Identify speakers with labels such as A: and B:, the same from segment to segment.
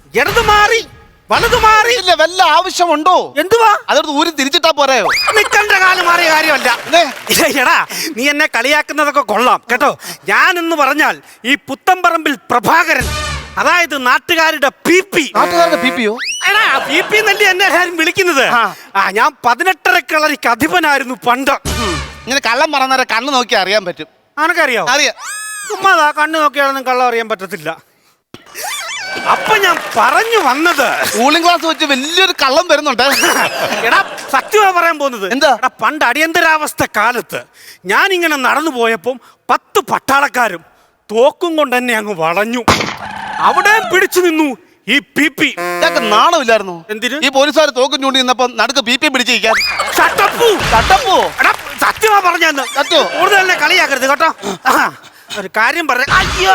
A: ഇടത് മാറി വലത് മാറി.
B: ഇല്ല, വല്ല ആവശ്യമുണ്ടോ?
A: എന്തുവാ?
B: അതോട് ഊരി തിരിച്ചിട്ടാ പോരായോ?
A: നിക്കണ്ട കാലം മാറിയ കാര്യമല്ല. എടാ, നീ എന്നെ കളിയാക്കുന്നതൊക്കെ കൊള്ളാം കേട്ടോ. ഞാനെന്ന് പറഞ്ഞാൽ ഈ പുത്തമ്പറമ്പിൽ പ്രഭാകരൻ, അതായത് നാട്ടുകാരുടെ PP.
B: നാട്ടുകാരുടെ PP-യോ?
A: എടാ, PP എന്നല്ലേ എന്നെ എല്ലാരും വിളിക്കുന്നത്. ഞാൻ 18 കളരിക്ക് അധിപനായിരുന്നു പണ്ട്.
B: ഇങ്ങനെ കള്ളം പറഞ്ഞാൽ കണ്ണ് നോക്കി അറിയാൻ പറ്റും.
A: ആനക്കറിയോ?
B: അറിയാം.
A: ചുമ്മാതാ, കണ്ണ് നോക്കിയാലൊന്നും കള്ളം അറിയാൻ പറ്റത്തില്ല. അപ്പൊ ഞാൻ പറഞ്ഞു വന്നത്,
B: കൂളിംഗ് ഗ്ലാസ് വെച്ച് വലിയൊരു കള്ളം വരുന്നുണ്ട്.
A: എടാ, സത്യമാ പറയാൻ പോകുന്നത്.
B: എന്താ?
A: എടാ, പണ്ട് അടിയന്തരാവസ്ഥ കാലത്ത് ഞാൻ ഇങ്ങനെ നടന്നു പോയപ്പം 10 പട്ടാളക്കാരും തോക്കും കൊണ്ട് എന്നെ അങ്ങ് വളഞ്ഞു. അവിടെ പിടിച്ചു നിന്നു ഈ PP.
B: ഇതൊക്കെ നാണമില്ലായിരുന്നു?
A: എന്തിന്?
B: ഈ പോലീസുകാർ തോക്കും ചൂണ്ടി നിന്നപ്പോ നടുക്ക് PP പിടിച്ചിരിക്കാൻ.
A: എടാ, സത്യമാ പറഞ്ഞെന്ന്.
B: സത്യോ?
A: കൂടുതൽ എന്നെ കളിയാക്കരുത് കേട്ടോ. ഒരു കാര്യം പറഞ്ഞ, അയ്യോ,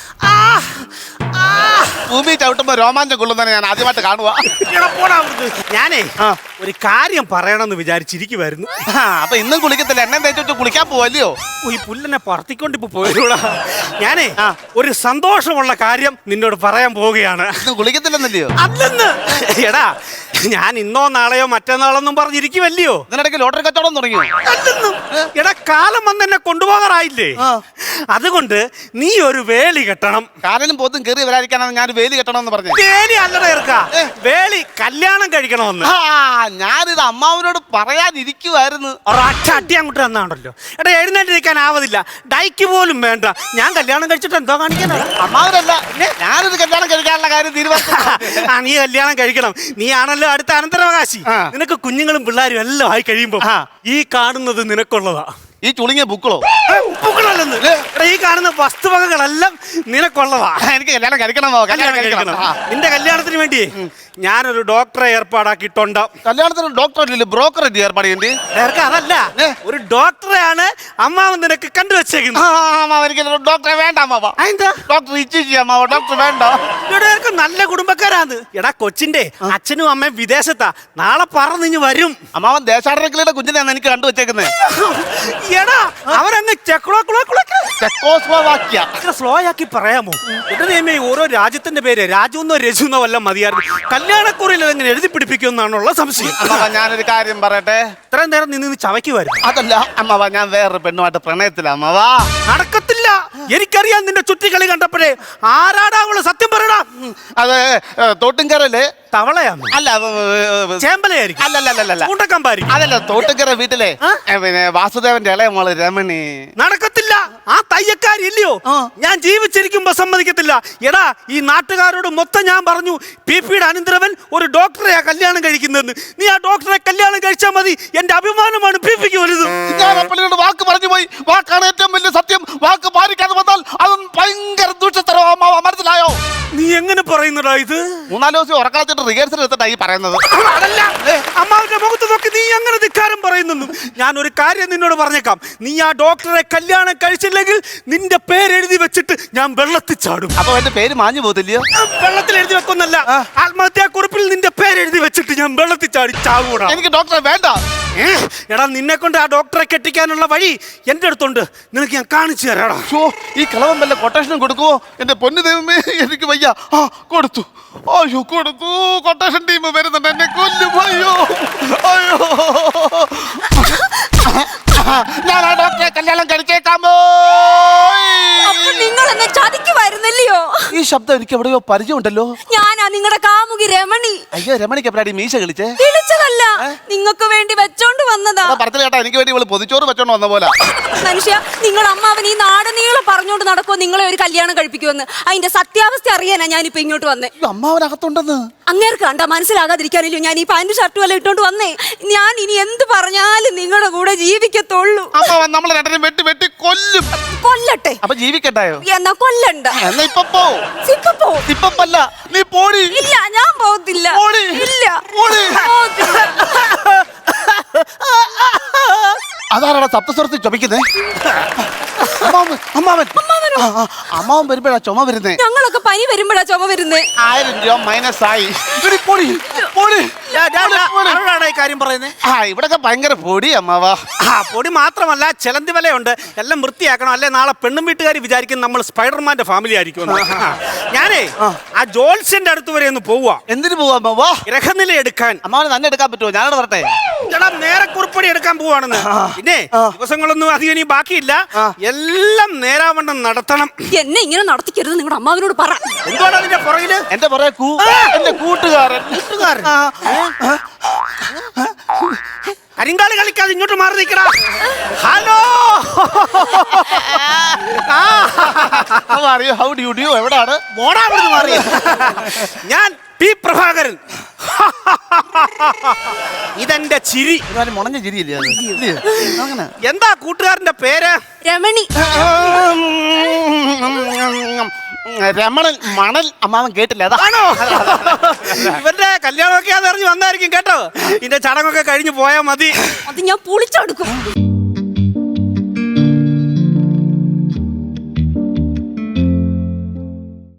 B: ഭൂമി ചവിട്ടുമ്പോ രോമാഞ്ചം കൊള്ളുന്നതിനെ ഞാൻ ആദ്യമായിട്ട് കാണുക.
A: ഞാനേ ഒരു കാര്യം പറയണമെന്ന് വിചാരിച്ചിരിക്കുവായിരുന്നു.
B: അപ്പൊ ഇന്നും കുളിക്കത്തില്ല, എണ്ണ തേച്ചു കുളിക്കാൻ പോവല്ലയോ?
A: ഈ പുല്ലെന്നെ പറത്തിക്കൊണ്ടിപ്പോ പോയൂടാ. ഞാനേ ഒരു സന്തോഷമുള്ള കാര്യം നിന്നോട് പറയാൻ പോവുകയാണ്.
B: കുളിക്കത്തില്ലെന്നല്ലയോ?
A: അല്ലെന്ന്. എടാ, ഞാൻ ഇന്നോ നാളെയോ മറ്റന്നാളൊന്നും പറഞ്ഞിരിക്കുവല്ലയോ.
B: ഇതിനിടയ്ക്ക് ലോട്ടറി കച്ചവടം തുടങ്ങിയോ?
A: അല്ലെന്നും. എടാ, കാലം വന്ന് എന്നെ കൊണ്ടുപോകാറായില്ലേ? അതുകൊണ്ട് നീ ഒരു വേലി കെട്ടണം.
B: കാലനും പോത്തും കയറി വരാതിരിക്കാനാണ് ഞാൻ വേലി കെട്ടണമെന്ന് പറഞ്ഞു.
A: വേലി അല്ലടാ ഇറക്കാ, വേലി കല്യാണം കഴിക്കണമെന്ന്.
B: ഞാനിത് അമ്മാവനോട് പറയാനിരിക്കുവായിരുന്നു.
A: ഒരൊറ്റ അടി അങ്ങോട്ട് തന്നാണല്ലോ. എടാ, എഴുന്നേറ്റിരിക്കാൻ ആവതില്ല, ഡൈക്ക് പോലും വേണ്ട. ഞാൻ കല്യാണം കഴിച്ചിട്ട് എന്തോ കാണിക്കാനാ?
B: അമ്മാവനല്ല, ഞാനിത് കല്യാണം കഴിക്കാനുള്ള കാര്യം തീരുമാനിച്ചു.
A: നീ കല്യാണം കഴിക്കണം. നീ ആണല്ലോ അടുത്ത അനന്തരാവകാശി. നിനക്ക് കുഞ്ഞുങ്ങളും പിള്ളേരും എല്ലാം ആയി കഴിയുമ്പോ ഈ കാണുന്നത് നിനക്കുള്ളതാ.
B: ഈ ചുളുങ്ങിയ ബുക്കളോ?
A: ബുക്കളല്ലെന്ന്. ഈ കാണുന്ന വസ്തുവകകളെല്ലാം നിനക്കുള്ളതാ.
B: എനിക്ക് കല്യാണം കഴിക്കണമോ? കല്യാണം കഴിക്കണം.
A: നിന്റെ കല്യാണത്തിന് വേണ്ടി ഞാനൊരു ഡോക്ടറെ ഏർപ്പാടാക്കിയിട്ടുണ്ട്.
B: കല്യാണത്തിന് ഡോക്ടർ ബ്രോക്കർ ഏർപ്പാട് ചെയ്യേണ്ടി?
A: അതല്ല, ഒരു ഡോക്ടറെയാണ് അമ്മാവൻ നിനക്ക് കണ്ടുവച്ചേക്കുന്നത്.
B: എനിക്ക് ഡോക്ടറെ വേണ്ട അമ്മാവ.
A: എന്താ?
B: ഡോക്ടർ ഇച്ചിച്ചി അമ്മാവ, ഡോക്ടർ വേണ്ട.
A: ഇവിടെ നല്ല കുടുംബക്കാരാണ്. എടാ, കൊച്ചിന്റെ അച്ഛനും അമ്മയും വിദേശത്താ. നാളെ പറന്നിഞ്ഞ് വരും.
B: അമ്മാവൻ ദേശാടനക്കിളിയുടെ കുഞ്ഞിനെയാണ് എനിക്ക് കണ്ടുവച്ചേക്കുന്നത്.
A: എടാ, അവരങ്ങ് സ്ലോ ആക്കി പറയാമോ? എന്റെ ഓരോ രാജ്യത്തിന്റെ പേര് രാജുന്നോ രജുന്നോ വല്ല മതിയായിരുന്നു. കല്യാണക്കുറിയിൽ അതെങ്ങനെ എഴുതി പിടിപ്പിക്കുമെന്നാണുള്ള സംശയം.
B: അമ്മാവ, ഞാനൊരു കാര്യം പറയട്ടെ.
A: ഇത്രയും നേരം നിന്ന് ചവയ്ക്കുമായിരുന്നു.
B: അതല്ല അമ്മാവ, ഞാൻ വേറൊരു പെണ്ണുമായിട്ട് പ്രണയത്തില. അമ്മാവ,
A: നടക്കത്തില്ല. എനിക്കറിയാം നിന്റെ ചുറ്റിക്കളി കണ്ടപ്പോഴേ. ആരാടാ അവള്? സത്യം പറയടാ.
B: അത് തോട്ടുംകരല്ലേ?
A: തവളയാണ്?
B: അല്ല,
A: ചേമ്പലയായിരിക്കും.
B: അല്ലല്ലല്ല, അതല്ല, തോട്ടുംകര വീട്ടിലെ പിന്നെ വാസുദേവന്റെ ഇളയ മോള് രമണി.
A: നടക്കത്തില്ല. ആ തയ്യക്കാരില്ലയോ, ഞാൻ ജീവിച്ചിരിക്കുമ്പോ സമ്മതിക്കത്തില്ല. എടാ, ഈ നാട്ടുകാരോട് മൊത്തം ഞാൻ പറഞ്ഞു PP-യുടെ അനന്തരവൻ ഒരു ഡോക്ടറെയാ കല്യാണം കഴിക്കുന്നതെന്ന്. നീ ആ ഡോക്ടറെ കല്യാണം കഴിച്ചാൽ മതി. എന്റെ അഭിമാനമാണ് PP-ക്ക് വലുത്.
B: ഞാൻ അപ്പളിനോട് വാക്ക് പറഞ്ഞു പോയി. വാക്കാണ് ഏറ്റവും വലിയ സത്യം. വാക്ക് പാലിക്കാതെ വന്നാൽ അതും ഭയങ്കര ദൂഷത്തരവാ. മനസ്സിലായോ?
A: നീ എങ്ങനെ പറയുന്നടാ ഇത്?
B: 3-4 ദിവസം ഉറക്കളത്തിട്ട് റിഹേഴ്സൽ എടുത്തിട്ടാ ഈ പറയുന്നത്.
A: അതല്ല, അമ്മാവിന്റെ മുഖത്ത് നോക്കി നീ അങ്ങനെ ധിക്കാരം പറയുന്നു. ഞാൻ ഒരു കാര്യം നിന്നോട് പറഞ്ഞേക്കാം. നീ ആ ഡോക്ടറെ കല്യാണം കഴിച്ചില്ലെങ്കിൽ നിന്റെ പേരെഴുതി വെച്ചിട്ട് ഞാൻ വെള്ളത്തിൽ ചാടും.
B: അപ്പൊ എന്റെ പേര് മാഞ്ഞു പോകത്തില്ലയോ?
A: വെള്ളത്തിൽ എഴുതി വെക്കുന്നല്ല, ആത്മഹത്യാക്കുറിപ്പിൽ നിന്റെ പേരെഴുതി വെച്ചിട്ട് ഞാൻ വെള്ളത്തിൽ ചാടി ചാവൂടാ.
B: എനിക്ക് ഡോക്ടറെ വേണ്ട.
A: എടാ, നിന്നെ കൊണ്ട് ആ ഡോക്ടറെ കെട്ടിക്കാനുള്ള വഴി എന്റെ അടുത്തുണ്ട്. നിനക്ക് ഞാൻ കാണിച്ചു തരാടാ.
B: ഈ കിളവൻ വല്ല കൊട്ടേഷനും കൊടുക്കുവോ? എന്റെ പൊന്നു ദൈവമേ, എനിക്ക് വയ്യ. കൊടുത്തു. അയ്യോ, കൊടുത്തു. കൊട്ടേഷൻ ടീം വരുന്നുണ്ട്, എന്നെ കൊല്ലും. അയ്യോ അയ്യോ, ഞാൻ ആ ഡോക്ടറെ കല്യാണം കഴിച്ചേക്കാമോ?
C: നിങ്ങൾ എന്നെ ചതിക്കുമായിരുന്നല്ലയോ?
B: ഈ ശബ്ദം എനിക്ക് എവിടെയോ പരിചയമുണ്ടല്ലോ.
C: ഞാനാ നിങ്ങളുടെ കാമുകി രമണി.
B: അയ്യോ, രമണിക്ക് എപ്പോഴാടി മീശ കളിച്ചേ?
C: വിളിച്ചതല്ല, നിങ്ങൾക്ക് വേണ്ടി വെച്ചോണ്ട് വന്നതാ.
B: പറഞ്ഞില്ല കേട്ടാ, എനിക്ക് വേണ്ടി ഇവള് പൊതിച്ചോറ് വെച്ചോണ്ട് വന്ന പോലെ.
C: മനുഷ്യ, നിങ്ങൾ അമ്മാവൻ ഈ നാടനീളം പറഞ്ഞോണ്ട് നടക്കുമോ നിങ്ങളെ ഒരു കല്യാണം കഴിപ്പിക്കുമെന്ന്? അതിന്റെ സത്യാവസ്ഥ അറിയാനാ ഞാനിപ്പോ ഇങ്ങോട്ട് വന്നേ.
B: അമ്മാവനകത്തുണ്ടെന്ന്
C: അങ്ങേർക്ക് കണ്ടാ മനസ്സിലാകാതിരിക്കാനല്ലോ ഞാൻ ഈ പാന്റ് ഷർട്ടും എല്ലാം ഇട്ടോണ്ട് വന്നേ. ഞാൻ ഇനി എന്ത് പറഞ്ഞാലും നിങ്ങളുടെ കൂടെ ജീവിക്കത്തുള്ളൂ.
B: അമ്മാവൻ നമ്മളെ രണ്ടിനും വെട്ടി വെട്ടി കൊല്ലും.
C: കൊല്ലട്ടെ.
B: അപ്പൊ ജീവിക്കണ്ടായോ?
C: എന്നാ കൊല്ലണ്ട.
B: എന്നാ ഇപ്പൊ പോ. ഇപ്പല്ല, നീ പോടി.
C: ഇല്ല, ഞാൻ പോകത്തില്ല. ഇല്ല,
B: അതാരാടാ സപ്തസ്വരത്തിൽ ചുമക്കുന്നേ? അമ്മാവൻ വരുമ്പോഴാ ചുമ വരുന്നേ.
C: ഞങ്ങളൊക്കെ പനി വരുമ്പോഴാ ചുമ വരുന്നേ.
B: 1000 രൂപ മൈനസ് ആയി.
A: ആരോടാണ് ഈ കാര്യം പറയുന്നത്?
B: ഇവിടൊക്കെ ഭയങ്കര പൊടി അമ്മാവാ.
A: പൊടി മാത്രമല്ല ചിലന്തി വലയുണ്ട്. എല്ലാം വൃത്തിയാക്കണം, അല്ലെ നാളെ പെണ്ണും വീട്ടുകാർ വിചാരിക്കും നമ്മൾ സ്പൈഡർമാന്റെ ഫാമിലി ആയിരിക്കും. ഞാനേ ആ ജോൾസിന്റെ അടുത്ത് വരെ ഒന്ന് പോവാ.
B: എന്തിനു പോവാ അമ്മാവാ?
A: ഗ്രഹനില എടുക്കാൻ.
B: അമ്മാവന് തന്നെ എടുക്കാൻ പറ്റുമോ? ഞാനോട് വരട്ടെ.
A: ചേട്ടാ നേരെ കുറിപ്പടി എടുക്കാൻ പോവാണെന്ന്. പിന്നെ ദിവസങ്ങളൊന്നും അധികം ഇനി ബാക്കിയില്ല. എല്ലാം നേരാവണ്ണം നടത്തണം.
C: എന്നെ ഇങ്ങനെ നടത്തിക്കരുത് നിങ്ങളുടെ അമ്മാവിനോട് പറ.
A: എന്തുകൊണ്ടാണ് അതിന്റെ പുറകില്?
B: എന്റെ പുറകെ എന്റെ കൂട്ടുകാരൻ.
A: കരിങ്കാളി കളിക്കാതെ ഇങ്ങോട്ട് മാറി നിൽക്കടാ. Hello,
B: how do you do? എവിടാണ്?
A: മോടാ അവിടുന്ന് മാറി. ഞാൻ പി പ്രഭാകരൻ. ഇതെന്റെ ചിരി.
B: മുണഞ്ഞ ചിരിയില്ലേ അങ്ങനെ?
A: എന്താ കൂട്ടുകാരന്റെ പേര്?
C: രമണി.
B: രമണൻ മണൽ. അമ്മാവൻ കേട്ടില്ല
A: അതാണോ? ഇവന്റെ കല്യാണമൊക്കെ അതറിഞ്ഞ് വന്നായിരിക്കും കേട്ടോ. ഇതിന്റെ ചടങ്ങൊക്കെ കഴിഞ്ഞ് പോയാൽ മതി.
C: അത് ഞാൻ പൊളിച്ചെടുക്കും.